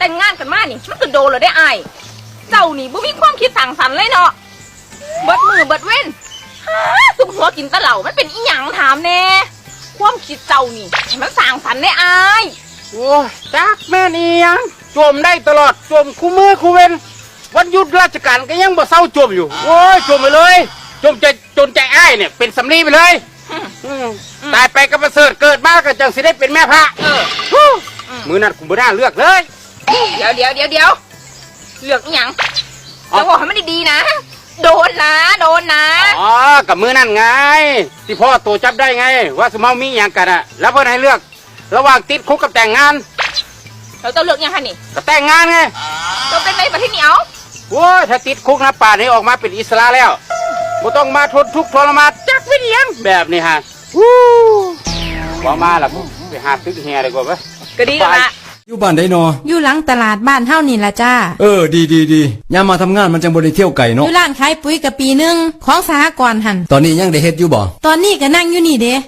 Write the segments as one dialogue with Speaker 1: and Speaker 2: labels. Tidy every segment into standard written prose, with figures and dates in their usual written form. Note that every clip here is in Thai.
Speaker 1: แต่งงานกันมานี่มันก็โดนเลยได้อายเจ้านี่บ่มีความคิดสั่งสรรค์เลยเนาะเบิดมือเบิดเว้นสุมหัวกินตะเหล่ามันเป็นอีหยังถามแน่ความคิดเจ้านี่มันสั่งสรรค์ได้อาย
Speaker 2: โอ้ยจักแม่นี่ยังจมได้ตลอดจมคู่มือคู่เว้นวันหยุดราชการก็ยังบ่เศร้าจมอยู่โอ้ยจมไปเลยจมใจจนใจอ้ายเนี่ยเป็นสำลีไปเลยตายไปก็ประเสริฐเกิดมาก็จังสิได้เป็นแม่พระมือนั้นคุณบ่น่าเลือกเลย
Speaker 1: เดี๋ยวเลือกอีหยังจะบอกให้มันดีๆนะโดนนะ
Speaker 2: อ๋อกับมือนั่นไงที่พ่อตัวจับได้ไงว่าสมเอามีอย่างกันอะแล้วเพื่อนให้เลือกระหว่างติดคุกกับแต่งงาน
Speaker 1: เราต้องเลือกยังคะนี่
Speaker 2: กับแต่งงานไง
Speaker 1: เราเป็นในประเทศเหนียว
Speaker 2: โอ้ยถ้าติดคุกนะป่านนี้ออกมาเป็นอิสระแล้วบ่ต้องมาทนทุกข์ทรมานจักวิญญาณแบบนี้ฮะว่ามาล่ะไปหาตึกแห่ดีกว่าไหม
Speaker 1: ก็ดีละ
Speaker 3: อยู่บ้านได้นอ
Speaker 4: อยู่หลังตลาดบ้านเฮานี่ล่ะจ้า
Speaker 3: ดียามมาทำงานมันจังบ่ได้เที่ยวไก่เนาะ
Speaker 4: อยู่ร้านขายปุ๋ยกับปีนึงของสหกรณ์หั่น
Speaker 3: ตอนนี้ยังได้เฮ็ดอยู่บ่
Speaker 4: ตอนนี้ก็นั่งอยู่นี่เด้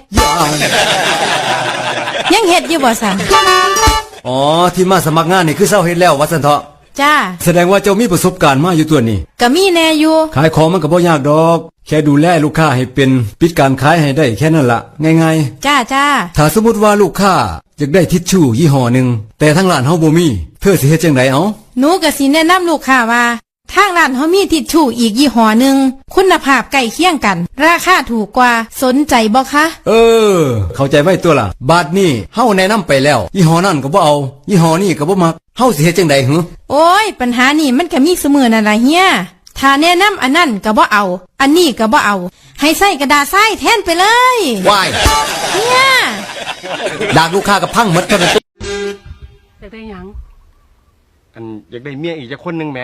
Speaker 4: ยังเฮ็ดอยู่บ่ซั่น
Speaker 3: อ๋อที่มาสมัครงานนี่คือเศร้าเฮ็ดแล้วว่าซั่นเถาะ
Speaker 4: จ้า
Speaker 3: แสดงว่าเจ้ามีประสบการณ์มาอยู่ตัวนี้
Speaker 4: ก็มีแน่อยู่
Speaker 3: ขายของมันก็บ่ยากดอกแค่ดูแลลูกค้าให้เป็นปิดการขายให้ได้แค่นั้นละง่าย
Speaker 4: ๆจ้า
Speaker 3: ถ้าสมมุติว่าลูกค้าอยากได้ทิชชู่ยี่ห้อนึงแต่ทางร้านเฮาบ่มีเธอสิเฮ็ดจังไดเอ้า
Speaker 4: หนูก็สิแนะนำลูกค้าว่าทางร้านเฮามีทิชชู่อีกยี่ห้อนึงคุณภาพใกล้เคียงกันราคาถูกกว่าสนใจบ่คะ
Speaker 3: เข้าใจไว้ตัวล่ะบาดนี้เฮาแนะนำไปแล้วยี่ห้อนั้นก็บ่เอายี่ห้อนี้ก็บ่มักเฮาสิเฮ็ดจังได๋หึ
Speaker 4: โอ้ยปัญหานี่มันก็มีเสมอนั่นล่ะเฮียถ้าแนะนำอันนั้นก็บ่เอาอันนี้ก็บ่เอาให้ใส่กระดาษทรายแทนไปเลย
Speaker 3: ว้าย
Speaker 4: เฮีย
Speaker 3: ดากลูกค้ากับพังหมดเท่านั้น
Speaker 5: อยากได้หยังอยากได้เมียอีกจักคนหนึ่งไหม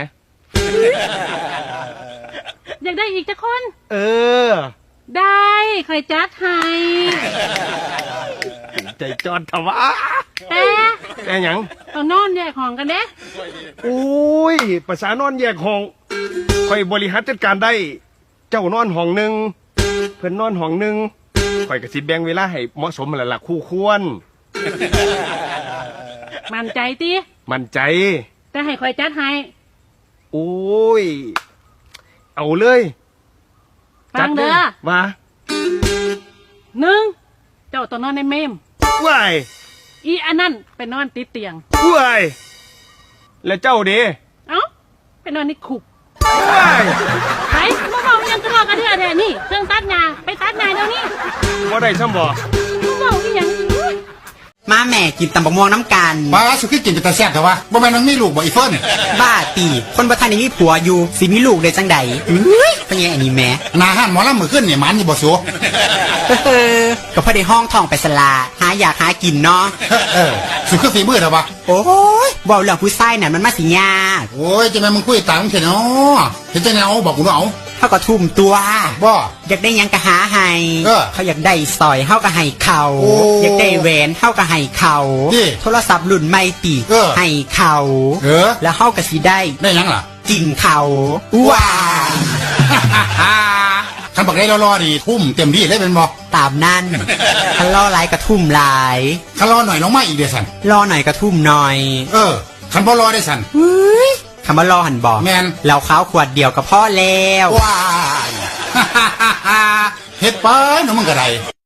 Speaker 1: อยากได้อีกจักคน
Speaker 5: ได้
Speaker 1: ใครจัดให้
Speaker 5: ใจจอดทว่าแต่หยัง
Speaker 1: ต้องนอนแยกห้องกันเด้
Speaker 5: โอ้ยภาษานอนแยกห้องค่อยบริหารจัดการได้เจ้านอนห้องหนึ่งเพื่อนนอนห้องหนึ่งค่อยกระสิบแบ่งเวลาให้เหมาะสมละคู่ควร
Speaker 1: มั่นใจติ
Speaker 5: มั่นใจ
Speaker 1: แต่ให้ค่อยจัดให้
Speaker 5: โอ้ยเอาเลย
Speaker 1: ฟังเด้อ
Speaker 5: ว่า
Speaker 1: 1เจ้าต้องนอนในเมม
Speaker 5: ว้าย
Speaker 1: อีอันนั้นไปนอนติดเตียง
Speaker 5: ว้ายแล้วเจ้าเด้
Speaker 1: ไปนอนในคุก
Speaker 5: ว้าย
Speaker 1: ไปมาบอกยังทะเลาะกันเถอะแท้นี่เครื่องตัดหญ้าไปตัดหญ้าเดี๋ยวนี้
Speaker 5: ว่าได้ซ้ำบ่
Speaker 1: บอกอีหยัง
Speaker 6: มาแม่กินตำบักม่วงน้ำกัน
Speaker 7: บ้าสุกี้กินเป็นตาแซ่บแต่ว่าบ่แม่นมันมีลูกบ่อีเฟิร์น
Speaker 6: บ้าตีคนบ่ทันได้มีผัวอยู่สิมีลูกได้จังใดเป็นไงอันนี้แม่
Speaker 7: นาห้านหมอลำมือขึ้นเนี่ยมันนี่บ่สู
Speaker 6: ก็พอได้ห้องทองไปสลาหาอยากหากินเนาะ
Speaker 7: สุกี้ฝีมือเถอะวะ
Speaker 6: โอ้ยบ่เรื่องผู้ชายน่ะมันมาสิยาก
Speaker 7: โอ้ยจะแม่มึงคุยตามมึงเถอะเนาะเห็นจังไงเอาบอกกูเนาะ
Speaker 6: เขาก็ทุ่มตัว
Speaker 7: บ่
Speaker 6: อยากได้ยังก็หาให้เขาอยากได้สอยเขาก็ให้เขาอยากได้แหวนเขาก็ให้เขาโทรศัพท์รุ่นใหม่ตีให้เขาแล้วเขาก็สิได้
Speaker 7: ยังล่ะ
Speaker 6: กินเขาว้า
Speaker 7: คันบอกได้รอๆดีทุ่มเต็มที่เลยเป็นบ่
Speaker 6: ตามนั่นคันรอหลายกระทุ่มหลาย
Speaker 7: คันรอหน่อยน้องมาอีกเดี๋ยวสัน
Speaker 6: รอหน่อยกระทุ่มหน่อย
Speaker 7: คันบ่รอได้สัน
Speaker 6: คำว่ารอหันบอก
Speaker 7: แมน
Speaker 6: เราข้าวขวดเดียวกับพ่อแล้ว
Speaker 7: ว้าเฮ็ดไปน้องมึงกระไร